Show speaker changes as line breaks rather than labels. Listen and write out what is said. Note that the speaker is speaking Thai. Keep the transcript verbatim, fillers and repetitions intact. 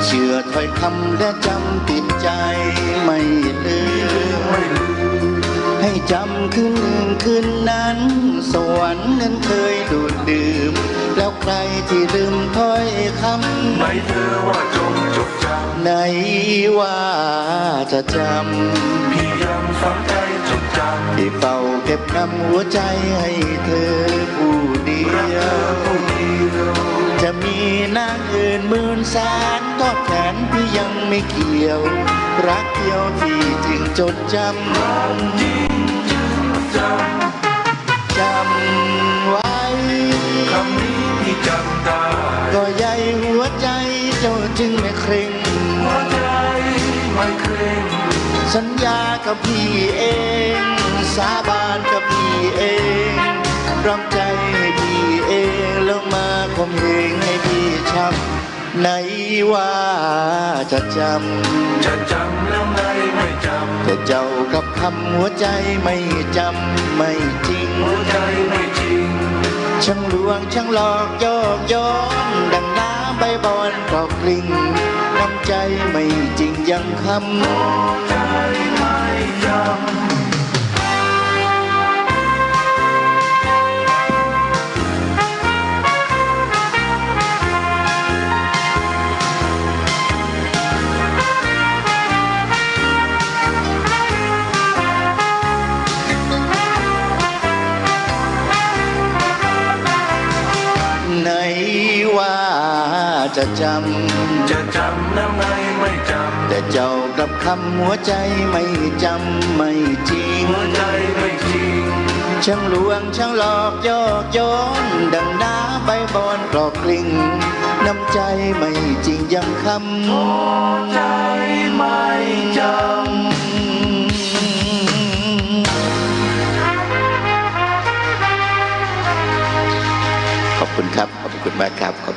เชื่อถ้อยคำและจำติดใจไม่ลืมให้จำคืนหนึ่งคืนนั้นสวรรค์นั้นเคยดูดดื่มแล้วใครที่ลืมถ้อยคำไหนเธอว่าจงจดจำไหนว่าจะจำพี่ยังฝังใจจดจำที่เฝ้าเก็บนำหัวใจให้เธอผู้เดียวจะมีนางอื่นหมื่นแสนทอดแขนพี่ยังไม่เกี่ยวรักเดียวที่จึงจดจำจริงจึงจำจำไว้คำนี้พี่จำได้ก็ใหญ่หัวใจเจ้าจึงไม่เคร่งหัวใจไม่เคร่งสัญญากับพี่เองสาบานกับพี่เองรำใจให้พี่เองแล้วมาข่มเหงให้พี่ช้ำไหนว่าจะจำจะจำแล้วไงไม่จำแต่เจ้ากับคำหัวใจไม่จำไม่จริงหัวใจไม่จริงช่างลวงช่างหลอกยอกย้อนดังน้ำใบบอนกรอกกลิ่งน้ำใจไม่จริงยังคำหัวใจไม่จำไหนว่าจะจำจะจำแล้วไงไม่จำแต่เจ้ากับคำหัวใจไม่จำไม่จริงหัวใจไม่จริงช่างลวงช่างหลอกยอกย้อนดังน้ำใบบอนกรอกกลิ่งน้ำใจไม่จริงยังคำหัวใจไม่จำขอบคุณครับขอบคุณมากครับ